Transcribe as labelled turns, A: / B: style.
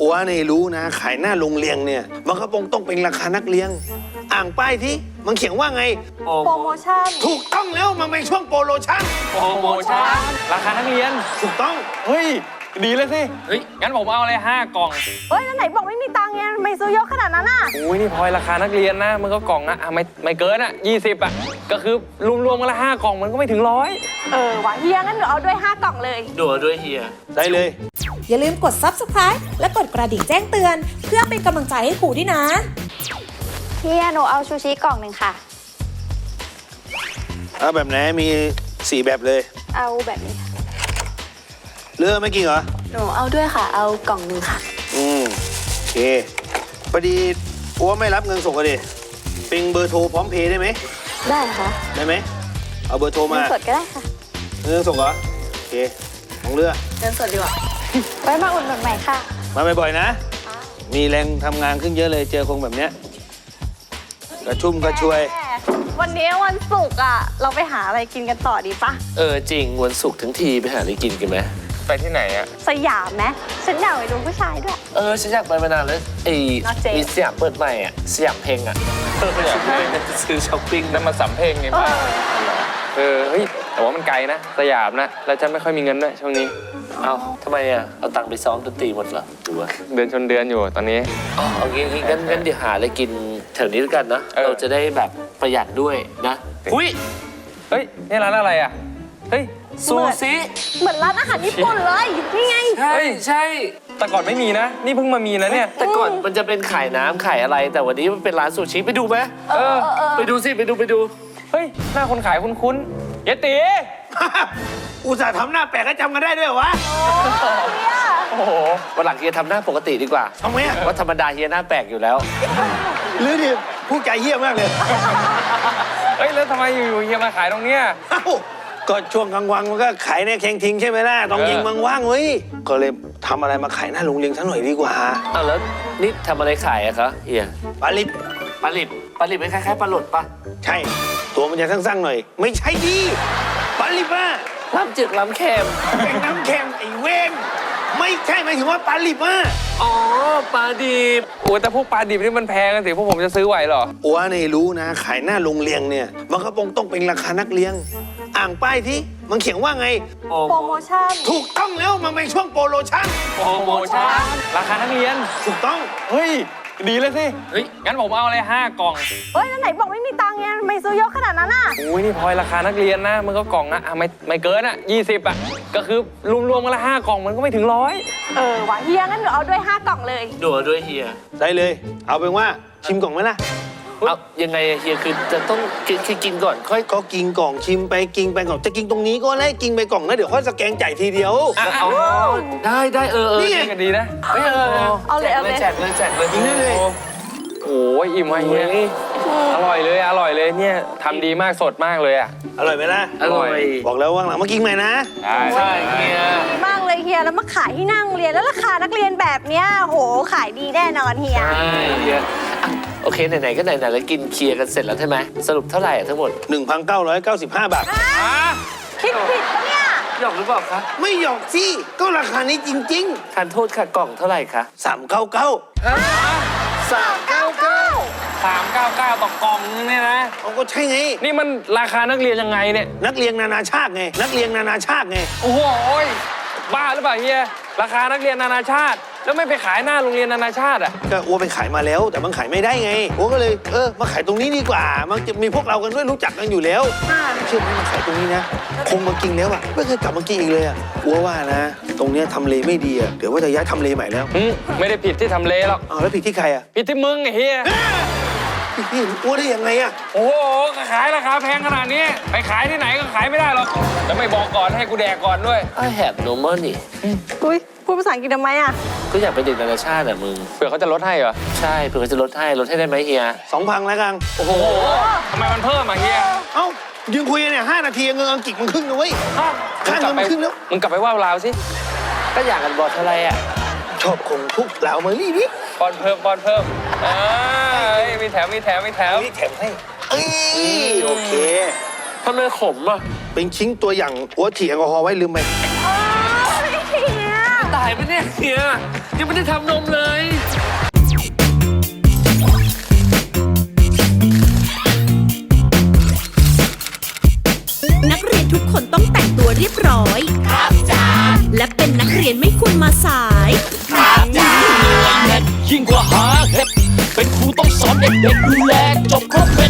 A: อัวนี่รู้นะขายหน้าโรงเรียนเนี่ยมันก็ต้องเป็นราคานักเรียนอ่างป้ายที่มันเขียนว่าไง
B: โปรโมชั่น
A: ถูกต้องแล้วมันเป็นช่วงโปรโมชั่น
C: ราคานักเรียน
A: ถูกต้อง
C: เฮ้ยดีเลยสิเฮ้ยงั้นผมเอาอะไร5 กล่อง
B: เฮ้ยแล้วไหนบอกไม่มีตังค์ไงไม่ซื้อเยอะขนาดนั้นอ่ะ
C: อุ้ยนี่พลอยราคานักเรียนนะมันก็กล่องอะไม่เกินอะ20อะก็คือรวมกันละ5 กล่องมันก็ไม่ถึง100
B: ว่ะเฮียงั้นหนูเอาด้วย5 กล่องเลย
D: ดูด้วยเฮีย
A: ได้เลย
E: อย่าลืมกด Subscribe และกดกระดิ่งแจ้งเตือนเพื่อเป็นกำลังใจให้ครูด้วยนะ
B: เฮียหนูเอาชูชีกล่องหนึ่งค่ะ
A: เอาแบบไหนมี4 แบบเลย
B: เอาแบบนี้
A: เลือกไม่กินเหรอ
B: หนูเอาด้วยค่ะเอากล่องหนึ่งค่ะ
A: โอเคพอดีอัวไม่รับเงินสดกันดิเป็นเบอร์โทรพร้อมเพย์ได้ไหม
B: ได้ค่ะ
A: ได้ไหมเอาเบอร์โทรมา
B: เงินสดก็ได้ค่ะ
A: เงินสดเหรอโอเคของเลือก
B: เงินสดดีกว่าไว้มาอุ่นใหม่ค่ะ
A: มาบ่อยๆนะมีแรงทำงานขึ้นเยอะเลยเจอคงแบบเนี้ยกระชุ่มกระชวย
B: วันนี้วันศุกร์อ่ะเราไปหาอะไรกินกันต่อดีปะ
D: จริงวันศุกร์ทั้งทีไปหาอะไรกินกันไหม
C: ไปที่ไหนอะ
B: สยามไหมฉันอยากไปดูผู้ชายด้วย
D: ฉันอยากไปมานานแล้วมีสยามเปิดใหม่อ่ะสยามเพลงอ่ะซื้อช้อปปิ้ง
C: แล้วมาสัมเพลงไงบ้างเฮ้ยแต่ว่ามันไกลนะสยามนะแล้วฉันไม่ค่อยมีเงินด้วยช่วงนี้
D: เอาทำไมอ่ะเอาตังค์ไปซ้อมดนตรีหมดเหรอหรือว่า
C: เดือนชนเดือนอยู่ตอนนี้
D: เอางี้งั้นเดี๋ยวหาอะไรกินแถวนี้ด้วยกันนะเราจะได้แบบประหยัดด้วยนะอุ้ย
C: เฮ้ยนี่ร้านอะไรอ่ะเฮ้ย
D: ซูซิ
B: เหมือนร้านอาหารญี่ปุ่นเลยนี่ไง
D: ใช่
C: แต่ก่อนไม่มีนะนี่เพิ่งมามีนะเนี่ย
D: แต่ก่อนมันจะเป็นขายน้ำขายอะไรแต่วันนี้มันเป็นร้านซูชิไปดูไหมไปดูสิไปดู
C: เฮ้ยหน้าคนขายคุ้นๆเยติ
A: อุตส่าห์ทำหน้าแปลกก็จำกันได้ด้วยวะ
D: โอ้โหวันหลังเฮียทำหน้าปกติดีกว่า
A: ทำไมอะ
D: ว่าธรรมดาเฮียหน้าแปลกอยู่แล้ว
A: หรือดิผู้ใจเหี้ยมากเลย
C: เฮ้ยแล้วทำไมอยู่เฮียมาขายตรงเนี้ย
A: ก็ช่วงกลางวันมันก็ขายในแข่งทิ้งใช่ไหมล่ะต้องยิงมังว่างเว้ยก็เลยทำอะไรมาขายหน้าโรงเรียนซะหน่อยดีกว่า
D: แล้วนี่ทำอะไรขายอะคะเฮีย
A: ปลาลิบ
D: เป็นคล้ายๆปลาหลดปะ
A: ใช่ตัวมันจะสั้นๆหน่อยไม่ใช่ดีปลาลิบอะ
D: ล้ำจืดล้ำเค็ม
A: เป็นน้ำเค็มไอ้เว้นไม่ใช่หมายถึงว่าปลาลิบอะ
D: ปลาดิบ
C: โอ้แต่พวกปลาดิบนี่มันแพงกันสิพวกผมจะซื้อไหวเหรอ
A: อัวนี่รู้นะขายหน้าโรงเรียนเนี่ยมันก็ต้องเป็นราคานักเรียนอ่างป้ายที่มันเขียนว่าไง
B: โปรโมชั่น
A: ถูกต้องแล้วมันเป็นช่วงโปรโมชั่น
C: ราคานักเรียน
A: ถูกต้อง
C: เฮ้ยดีเลยสิเฮ้ยงั้นผมเอาอะไร5 กล่อง
B: เฮ้ยแล้วไหนบอกไม่มีตังค์ไงไม่ซื้อเยอะขนาดนั้นอ่ะ
C: อุ้ยนี่พลอยราคานักเรียนนะมันก็กล่องนะไม่เกินอะ20อะก็คือรวมกันละ5 กล่องมันก็ไม่ถึง100
B: ว่ะเฮียงั้นหนูเอาด้วย5 กล่องเลย
D: ดูด้วยเฮีย
A: ได้เลยเอาเป็นว่าชิมกล่องไหมล่ะ
D: เอายังไงเฮียคือจะต้องกินก่อนค่อย
A: ก็กินกล่องชิมไปกินไปก่อนจะกินตรงนี้ก็ได้กินไปกล่องนะเดี๋ยวค่อยสแกนจ่ายทีเดียว
D: ได้
C: นี่ไงกันดีนะ
B: เอาเลย
D: แจกเลย
A: กินได้เลย
C: โอ้ยอิ่มไหมเฮียอร่อยเลยเนี่ยทำดีมากสดมากเลยอ่ะ
A: อร่อยไหมล่ะ
D: อร่อย
A: บอกแล้วว่าหลังมากินใหม่นะ
D: ใช่เฮีย
B: ดีมากเลยเฮียแล้วมาขายที่นั่งเรียนแล้วราคานักเรียนแบบเนี้ยโหขายดีแน่นอนเฮีย
D: ใช่เฮียโอเคไหนๆก็ไหนๆแล้วกินเคลียร์กันเสร็จแล้วใช่ไหมสรุปเท่าไหร่ทั้งหมด
A: 1,995 บาท
B: คิดผิดปะเนี่ย
D: หยอกหรือเปล่าคะ
A: ไม่หยอกสิก็ราคานี้จริง
D: ๆทานโทษค่ะกล่องเท่าไหร่คะ
C: 399ต่อกล่องเนี่ยนะ
A: ก็ใช่ไง
C: นี่มันราคานักเรียนยังไงเนี่ย
A: นักเรียนนานาชาติไง
C: โอ้โหบ้าหรือเปล่าเฮียราคานักเรียนนานาชาติแล้วไม่ไปขายหน้าโรงเรียนนานาชาติอ่ะ
A: ก็อัวไปขายมาแล้วแต่มันขายไม่ได้ไงอัวก็เลยมาขายตรงนี้ดีกว่ามันจะมีพวกเรากันด้วยรู้จักกันอยู่แล้วเชื่อไหมมาขายตรงนี้นะคงมากินแล้วอ่ะไม่เคยกลับมากินอีกเลยอ่ะอัวว่านะตรงเนี้ยทำเลไม่ดีอ่ะเดี๋ยวว่าจะย้ายทำเลใหม่แล้ว
C: ไม่ได้ผิดที่ทำเลหรอก
A: แล้วผิดที่ใครอ่ะ
C: ผิดที่มึงไอ้เฮีย
A: พี่อัวได้ยังไงอ่ะ
C: โอ้โหขายราคาแพงขนาดนี้ไปขายที่ไหนก็ขายไม่ได้หรอกจะไม่บอกก่อนให้กูแดกก่อนด้วย
D: I have no money
B: อุ้ยพูดภาษาอังกฤษทำไมอ่ะ
D: ก็อยากเป็นเด็กนานาชาติอ่ะมึง
C: เผื่อเขาจะลดให้เหรอ
D: ใช่เผื่อเขาจะลดให้ได้ไหมเฮีย
A: 2,000แล้วกัน
C: โอ้โหทำไมมันเพิ่มอ่ะเฮีย
A: เอ้ายืนคุยเนี่ย5 นาทีเงินอังกฤษมันครึ่งนะเว้ยค่าเงินมันครึ่งแล้ว
C: มึงกลับไปว่าลาวสิ
D: ก็อยากกันบอดอะไรอ่ะ
A: ชอบคงทุกลาวมาลี่ดิ
C: ปอนเพิ่มมีแถม
A: ให้โอเค
D: ทำไมขมอ่ะ
A: เป็นชิ้นตัวอย่างหัวฉีดแอลกอฮอล์ไว้ลืมไป
D: ตายไหมเนี่ยเฮียยังไม่ได้ทำนมเลย
E: นักเรียนทุกคนต้องแต่งตัวเรียบร้อย ครับจ้าและเป็นนักเรียนไม่ควรมาสาย
F: ยิ่งกว่าหาเห็ดเป็นครูต้องสอนเด็กๆดูแลจบครบเม็ด